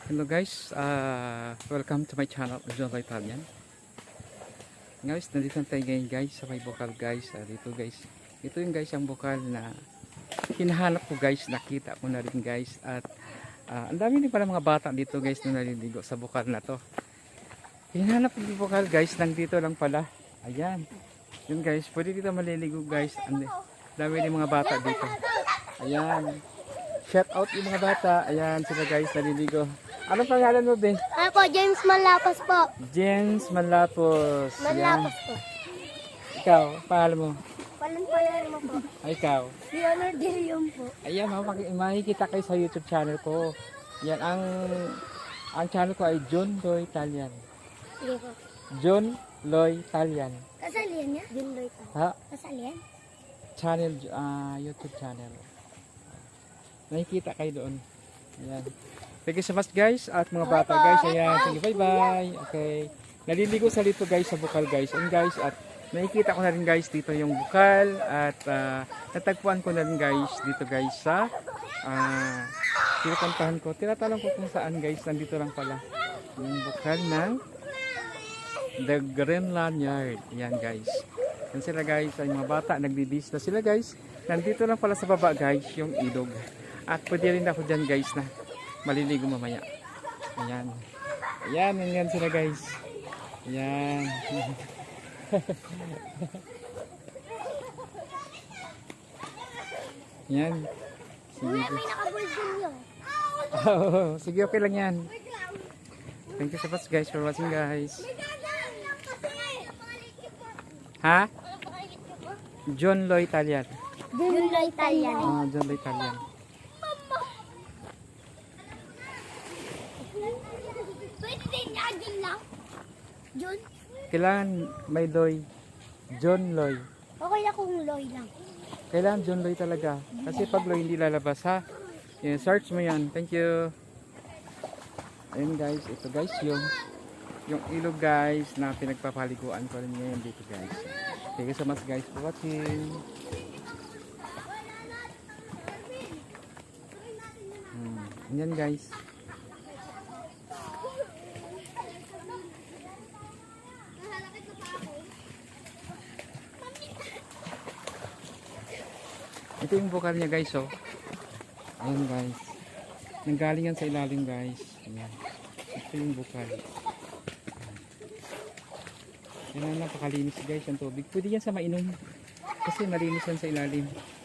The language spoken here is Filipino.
Hello guys, welcome to my channel, John Italian. Guys, nandito na tayo ngayon guys sa may bukal guys. Dito guys, ito yung guys ang bukal na hinahanap ko guys, nakita ko na rin guys. At ang dami din pala mga bata dito guys na naliligo sa bukal na to. Hinahanap ko yung bukal guys, nandito lang pala. Ayan, yun guys, pwede dito maliligo guys. Ang dami din mga bata dito. Ayan, shout out yung mga bata. Ayan sila guys, naliligo. Anong pangalan mo, Ben? Ako, James Malapos po. James Malapos. Malapos po. Ikaw, pangalan mo? Palan mo po. Ay, ikaw. Leonard De Leon po. Ayan, makikita kayo sa YouTube channel ko. Yan, ang channel ko ay John Loy Italian. Sige po. John Loy Italian. Kasalian niya? John Lloyd. Ha? Kasalian? Channel, YouTube channel. Nakikita kayo doon. Ayan. Thank you so much guys at mga bata guys. Ayan, sige, bye-bye. Okay. Naliligo sa dito guys sa bukal guys. And guys, at nakikita ko na rin guys dito yung bukal at natagpuan ko na rin guys dito guys sa tinatantahan ko. Tinatanong ko kung saan guys. Nandito lang pala yung bukal ng The Greenland Yard. Ayan guys. Yan sila guys. Yung mga bata nagbibis na sila guys. Nandito lang pala sa baba guys yung ilog. At pwede rin ako dyan guys na maliligo mamaya. Ayan. Ayan, yan sila guys. Ayan. Ayan. Sige. May nakabuldin yun. Oh, sige, okay lang yan. Thank you so much guys for watching guys. Ha? John Loy Italian. John Lloyd Italian. John Loy Italian. Pwede din niya, John lang. John? Kailangan may Loy. John Loy. Okay akong Lloyd lang. Kailangan John Loy talaga. Kasi pag Loy hindi lalabas ha. Yan, search mo yan. Thank you. Ayun guys. Ito guys yung ilog guys na pinagpapaliguan ko rin ngayon dito guys. Thank you so much guys for watching. Yan guys. Ito yung bukal niya guys oh. Ayan guys. Nanggaling yan sa ilalim guys. Ayan. Ito yung bukal. Ayan na napakalinis guys ang tubig. Pwede yan sa mainom. Kasi malinis yan sa ilalim.